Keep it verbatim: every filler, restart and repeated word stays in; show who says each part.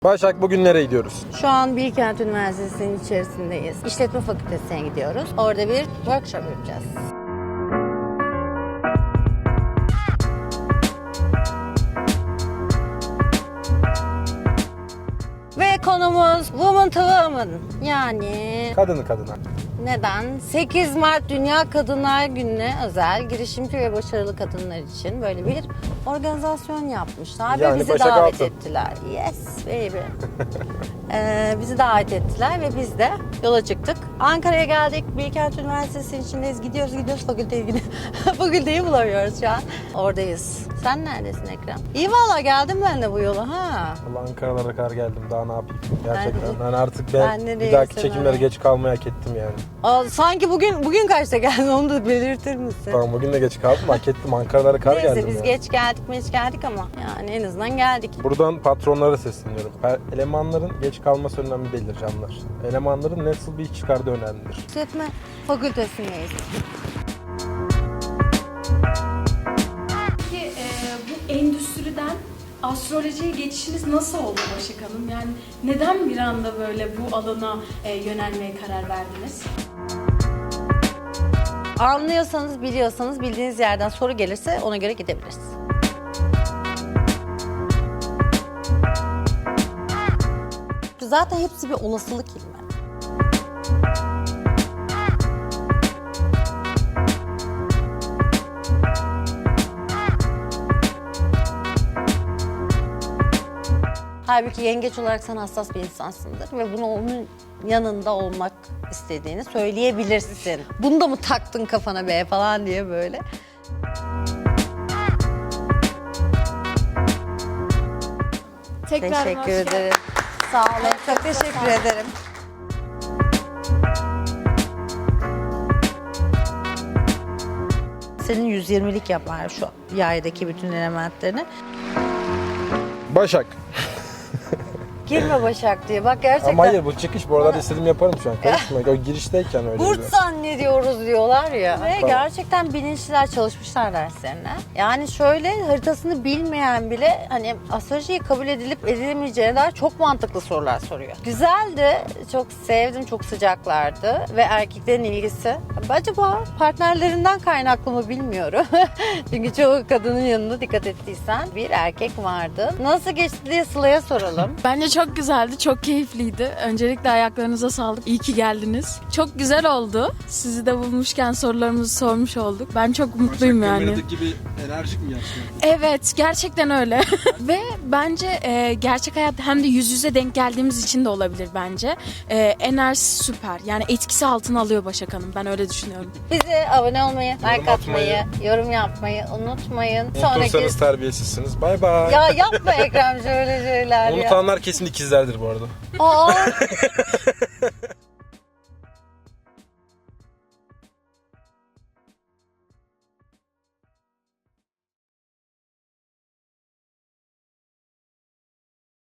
Speaker 1: Başak, bugün nereye gidiyoruz?
Speaker 2: Şu an Bilkent Üniversitesi'nin içerisindeyiz. İşletme Fakültesi'ne gidiyoruz. Orada bir workshop yapacağız. Ve konumuz Woman to Woman. Yani
Speaker 1: Kadını kadına.
Speaker 2: neden? sekiz Mart Dünya Kadınlar Günü'ne özel girişimci ve başarılı kadınlar için böyle bir organizasyon yapmışlar
Speaker 1: Yani
Speaker 2: ve bizi
Speaker 1: Başak
Speaker 2: davet
Speaker 1: Altın.
Speaker 2: ettiler. Yes baby. ee, bizi davet ettiler ve biz de yola çıktık. Ankara'ya geldik. Bilkent Üniversitesi'nin içindeyiz. Gidiyoruz gidiyoruz fakülteye gidiyoruz. Fakülteyi bulamıyoruz şu an. Oradayız. Sen neredesin Ekrem? İyi valla geldim ben de bu yola ha.
Speaker 1: Allah, Ankara'lara kadar geldim. Daha ne yapayım? Gerçekten.
Speaker 2: Ben-
Speaker 1: Yani artık ben,
Speaker 2: ben de
Speaker 1: bir dahaki
Speaker 2: değilsin
Speaker 1: çekimlere
Speaker 2: öyle.
Speaker 1: geç kalmayı hak ettim yani.
Speaker 2: Aa, sanki bugün bugün kaçta geldin onu da belirtir misin?
Speaker 1: Tamam, bugün de geç kaldım. Hak ettim. Ankara'lara kar
Speaker 2: Neyse
Speaker 1: geldim
Speaker 2: biz
Speaker 1: yani.
Speaker 2: geç geldik mi hiç geldik ama yani en azından geldik.
Speaker 1: Buradan patronlara sesleniyorum. Per- Elemanların geç kalması önemli değildir canlar. Elemanların nasıl bir iş çıkardığı önemlidir.
Speaker 2: İşletme Fakültesindeyiz.
Speaker 3: Peki e, bu endüstriden astrolojiye geçişiniz nasıl oldu Başak Hanım? Yani neden bir anda böyle bu alana e, yönelmeye karar verdiniz?
Speaker 2: Anlıyorsanız, biliyorsanız, bildiğiniz yerden soru gelirse ona göre gidebiliriz. Zaten hepsi bir olasılık ilmi. Halbuki yengeç olarak sen hassas bir insansındır ve bunu onun yanında olmak istediğini söyleyebilirsin. Bunu da mı taktın kafana be falan diye böyle.
Speaker 3: Tekrar
Speaker 2: Teşekkür ederim. Sağ olun. Çok teşekkür ederim. Senin yüz yirmilik yapar şu yaydaki bütün elementlerini.
Speaker 1: Başak.
Speaker 2: Girme Başak diye. Bak gerçekten.
Speaker 1: Ama hayır, bu çıkış bu aralarda istediğimi yaparım şu an. Karışma. O girişteyken öyle.
Speaker 2: Burt
Speaker 1: diyor.
Speaker 2: zannediyoruz diyorlar ya. Ve
Speaker 1: Tamam.
Speaker 2: gerçekten bilinçliler çalışmışlar derslerine. Yani şöyle haritasını bilmeyen bile hani astrolojiyi kabul edilip edilemeyeceğine dair çok mantıklı sorular soruyor. Güzeldi. Çok sevdim. Çok sıcaklardı. Ve erkeklerin ilgisi. Acaba partnerlerinden kaynaklı mı bilmiyorum. Çünkü çoğu kadının yanında dikkat ettiysen bir erkek vardı. Nasıl geçti diye Sıla'ya soralım.
Speaker 4: Bence çok güzeldi, çok keyifliydi. Öncelikle ayaklarınıza sağlık. İyi ki geldiniz. Çok güzel oldu. Sizi de bulmuşken sorularımızı sormuş olduk. Ben çok mutluyum yani.
Speaker 5: Kameradaki gibi enerjik mi gerçekten?
Speaker 4: Evet, gerçekten öyle. Ve bence e, gerçek hayatta hem de yüz yüze denk geldiğimiz için de olabilir bence. E, enerjisi süper. Yani etkisi altına alıyor Başak Hanım. Ben öyle düşünüyorum.
Speaker 2: Bize abone olmayı, like
Speaker 1: atmayı,
Speaker 2: atmayı, yorum yapmayı unutmayın.
Speaker 1: Unutursanız terbiyesizsiniz. Bay bay.
Speaker 2: Ya yapma Ekrem şöyle şeyler ya.
Speaker 1: Unutanlar kesin ikizlerdir bu arada.
Speaker 2: Aa,